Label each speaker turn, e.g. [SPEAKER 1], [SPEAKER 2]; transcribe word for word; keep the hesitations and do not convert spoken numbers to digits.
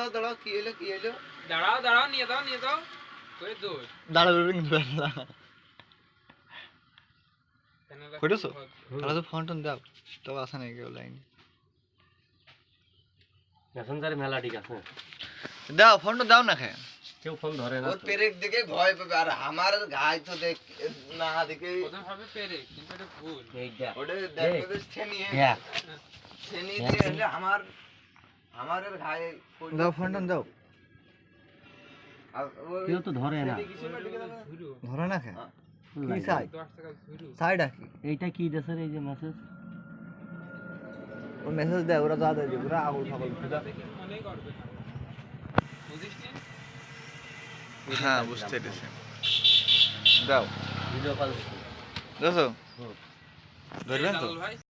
[SPEAKER 1] দাঁড়াও দাঁড়াও কি হলো কি হলো
[SPEAKER 2] দাঁড়াও দাঁড়াও নিয়ে দাও নিয়ে দাও করে দো
[SPEAKER 3] দাঁড়াও কিন্তু কইছো তাহলে তো ফোন টোন দাও তো আসা নাই কেউ লাইন
[SPEAKER 4] মেসেঞ্জারে মেলা ঠিক আছে
[SPEAKER 3] দাও ফোনটা দাও না খায়
[SPEAKER 4] কেউ ফোন ধরে না
[SPEAKER 1] ওর পেরেক দেখে ভয় পাবে আর আমার গায়ে তো দেখ না দেখে
[SPEAKER 2] প্রথম ভাবে পেরে কিন্তু এটা ভুল
[SPEAKER 4] এইটা
[SPEAKER 1] ওটা দেখো তো ছেনি
[SPEAKER 4] হ্যাঁ
[SPEAKER 1] ছেনি দিয়ে হলে আমার আমার গায়ে
[SPEAKER 3] দাও ফোনটা দাও
[SPEAKER 1] আর ওই
[SPEAKER 4] কেউ তো ধরে না
[SPEAKER 2] ঝুরু
[SPEAKER 3] ধরে না খায় কি চাই
[SPEAKER 2] দশ টাকা ঝুরু
[SPEAKER 3] চাইটা কি
[SPEAKER 4] এইটা কি দেশের এই যে মেসেজ
[SPEAKER 3] ও মেসেজ দেয় ওরা যা দেয় ওরা আগুল ফাগল
[SPEAKER 2] দেখে মনেই করবে না বুঝিস নি
[SPEAKER 3] হ্যাঁ বুঝতে পেরেছি দাও
[SPEAKER 4] ভিডিও কল
[SPEAKER 3] দেখো
[SPEAKER 4] হুম
[SPEAKER 3] ধরবেন তো
[SPEAKER 2] ভাই